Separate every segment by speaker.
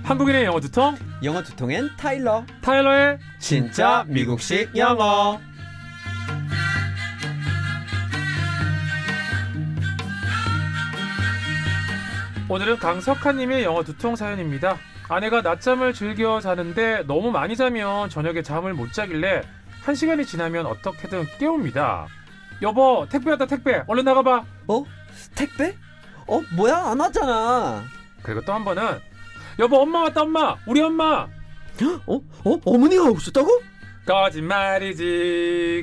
Speaker 1: 한국인의 영어 두통
Speaker 2: 영어 두통엔 타일러.
Speaker 1: 타일러의
Speaker 2: 진짜 미국식 영어.
Speaker 1: 오늘은 강석하님의 영어 두통 사연입니다. 아내가 낮잠을 즐겨 자는데 너무 많이 자면 저녁에 잠을 못 자길래 1시간이 지나면 어떻게든 깨웁니다. 여보, 택배 왔다. 택배 얼른 나가봐.
Speaker 2: 택배? 뭐야, 안 왔잖아.
Speaker 1: 그리고 또 한 번은 여보, 엄마 왔다. 엄마, 우리 엄마.
Speaker 2: 어머니가 오셨다고?
Speaker 1: 거짓말이지.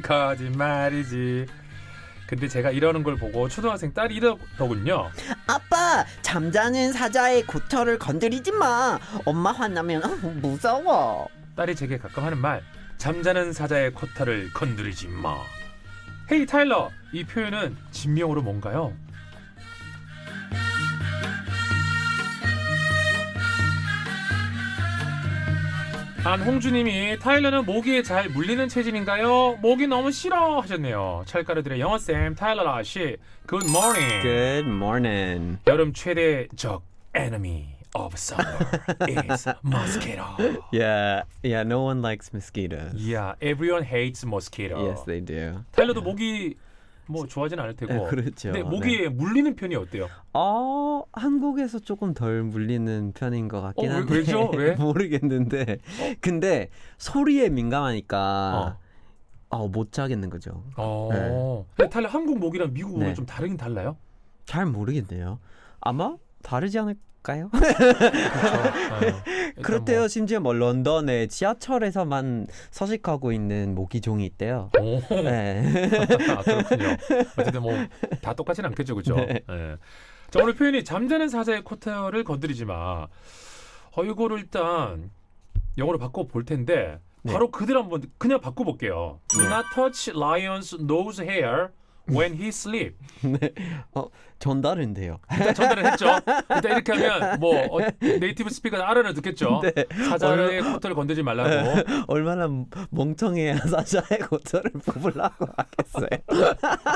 Speaker 1: 근데 제가 이러는 걸 보고 초등학생 딸이 이러더군요.
Speaker 2: 아빠, 잠자는 사자의 고철을 건드리지 마. 엄마 화나면 무서워.
Speaker 1: 딸이 제게 가끔 하는 말, 잠자는 사자의 코타를 건드리지 마. 헤이 타일러, 이 표현은 진명으로 뭔가요? 안홍주님이 타일러는 모기에 잘 물리는 체질인가요? 모기 너무 싫어 하셨네요. 찰가루들의 영어쌤 타일러 아씨, Good morning.
Speaker 2: Good morning.
Speaker 1: 여름 최대 적 enemy of summer is mosquito.
Speaker 2: Yeah, no one likes mosquitoes.
Speaker 1: Yeah, everyone hates mosquito.
Speaker 2: Yes, they do.
Speaker 1: 타일러도 모기 뭐 좋아하진 않을 테고.
Speaker 2: 그렇죠.
Speaker 1: 근데 모기에 물리는 편이 어때요?
Speaker 2: 한국에서 조금 덜 물리는 편인 것 같긴 한데.
Speaker 1: 왜죠? 왜?
Speaker 2: 모르겠는데. 근데 소리에 민감하니까 못 자겠는 거죠.
Speaker 1: 근데 타일러 한국 모기랑 미국 모기
Speaker 2: 네.
Speaker 1: 좀 다르긴 달라요?
Speaker 2: 잘 모르겠네요. 아마 다르지 않을까요?
Speaker 1: 그렇죠.
Speaker 2: 그렇대요. 심지어 런던의 지하철에서만 서식하고 있는 모기종이 있대요. 네.
Speaker 1: 그렇군요. 어쨌든 뭐 다 똑같진 않겠죠, 그죠?
Speaker 2: 네.
Speaker 1: 네. 자, 오늘 표현이 잠자는 사자의 코털을 건드리지 마. 이거를 일단 영어로 바꿔 볼 텐데 바로 그대로 한번 그냥 바꿔 볼게요. Do not touch lion's nose hair when he sleep.
Speaker 2: 네. 전달은돼요.
Speaker 1: 일단 전달을 했죠. 일단 이렇게 하면 네이티브 스피커는 알아는 듣겠죠.
Speaker 2: 네.
Speaker 1: 사자의 코털을 건드리지 말라고.
Speaker 2: 얼마나 멍청해야 사자의 고철을 뽑으려고 하겠어요.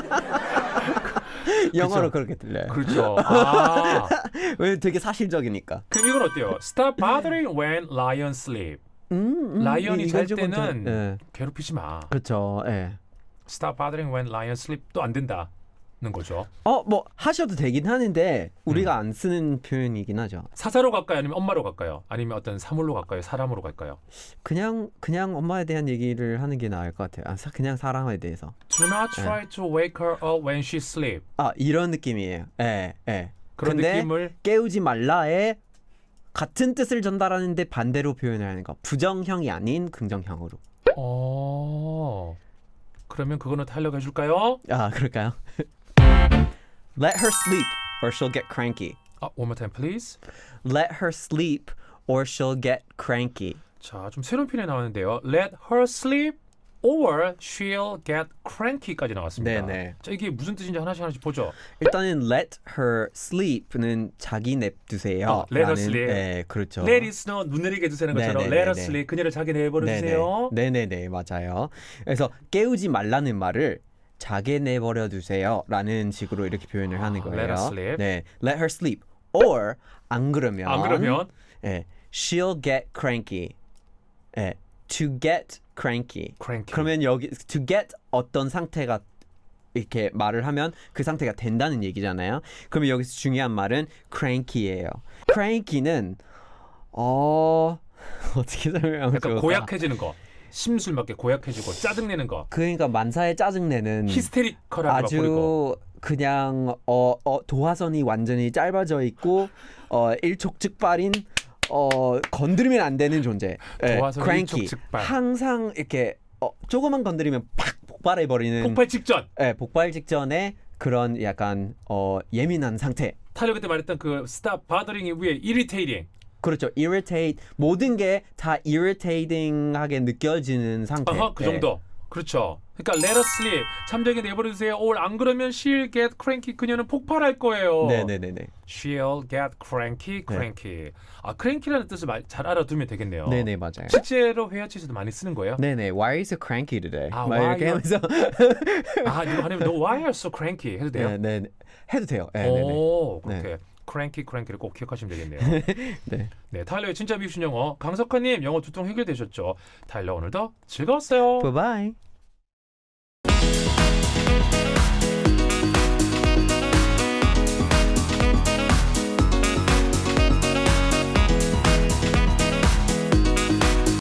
Speaker 2: 영어로 그렇게 들려요.
Speaker 1: 그렇죠.
Speaker 2: 왜 되게 사실적이니까.
Speaker 1: 그럼 이건 어때요? Stop bothering when lion sleep. 라이언이 잘 때는 괴롭히지 마.
Speaker 2: 그렇죠. 예.
Speaker 1: Stop bothering when lion sleep도 안 된다는 거죠.
Speaker 2: 뭐 하셔도 되긴 하는데 우리가 안 쓰는 표현이긴 하죠.
Speaker 1: 사자로 갈까요? 아니면 엄마로 갈까요? 아니면 어떤 사물로 갈까요? 사람으로 갈까요?
Speaker 2: 그냥 엄마에 대한 얘기를 하는 게 나을 것 같아요. 그냥 사람에 대해서.
Speaker 1: Do not try to wake her up when she sleep.
Speaker 2: 이런 느낌이에요. 예.
Speaker 1: 그런
Speaker 2: 근데
Speaker 1: 느낌을
Speaker 2: 깨우지 말라에 같은 뜻을 전달하는데 반대로 표현을 하는 거. 부정형이 아닌 긍정형으로.
Speaker 1: 그러면 그거는 타일러가 해줄까요?
Speaker 2: 그럴까요? Let her sleep or she'll get cranky.
Speaker 1: One more time, please.
Speaker 2: Let her sleep or she'll get cranky.
Speaker 1: 자, 좀 새로운 표현이 나왔는데요. Let her sleep or she'll get cranky까지 나왔습니다.
Speaker 2: 네네.
Speaker 1: 자, 이게 무슨 뜻인지 하나씩 보죠.
Speaker 2: 일단은 let her sleep는 자기 냅두세요.
Speaker 1: let her sleep.
Speaker 2: 네, 그렇죠.
Speaker 1: Let it snow, 눈 내리게 해주세요 것처럼
Speaker 2: 네네네네.
Speaker 1: Let her sleep, 그녀를 자게 내버려주세요.
Speaker 2: 네네네, 맞아요. 그래서 깨우지 말라는 말을 자게 내버려 두세요 라는 식으로 이렇게 표현을 하는 거예요.
Speaker 1: Let her sleep.
Speaker 2: 네, let her sleep. or 안 그러면 네, she'll get cranky. 네, to get cranky. 그러면 여기 to get 어떤 상태가 이렇게 말을 하면 그 상태가 된다는 얘기잖아요. 그러면 여기서 중요한 말은 cranky예요. cranky는 어떻게 설명하면
Speaker 1: 약간
Speaker 2: 좋을까?
Speaker 1: 고약해지는 거. 심술 맞게 고약해지고 짜증내는 거.
Speaker 2: 그러니까 만사에 짜증내는
Speaker 1: 히스테리컬하게
Speaker 2: 아주
Speaker 1: 버리고.
Speaker 2: 그냥 도화선이 완전히 짧아져 있고 일촉즉발인 건드리면 안 되는 존재.
Speaker 1: 도화선
Speaker 2: cranky.
Speaker 1: 일촉즉발.
Speaker 2: 항상 이렇게 조금만 건드리면 팍 폭발해 버리는.
Speaker 1: 폭발 직전.
Speaker 2: 폭발 직전에 그런 약간 예민한 상태.
Speaker 1: 타일러 그때 말했던 그 stop bothering이 위에 irritating.
Speaker 2: 그렇죠. irritate. 모든 게 다 irritating하게 느껴지는 상태.
Speaker 1: 그 정도. 그렇죠. 그러니까 let her sleep. 잠자게 내버려두세요. or 안 그러면 she'll get cranky. 그녀는 폭발할 거예요.
Speaker 2: 네네네네.
Speaker 1: She'll get cranky. cranky라는 뜻을 잘 알아두면 되겠네요.
Speaker 2: 네네, 맞아요.
Speaker 1: 실제로 회화치에서도 많이 쓰는 거예요?
Speaker 2: 네네. Why are you so cranky today? 막
Speaker 1: why
Speaker 2: 이렇게 하면서
Speaker 1: 이거 하면 No, why are you so cranky? 해도 돼요?
Speaker 2: 네, 해도 돼요.
Speaker 1: 오,
Speaker 2: 네.
Speaker 1: 그렇게. cranky를 꼭 기억하시면 되겠네요.
Speaker 2: 네.
Speaker 1: 네, 타일러의 진짜 미션 영어 강석환님 영어 두통 해결되셨죠? 타일러 오늘도 즐거웠어요.
Speaker 2: Bye bye.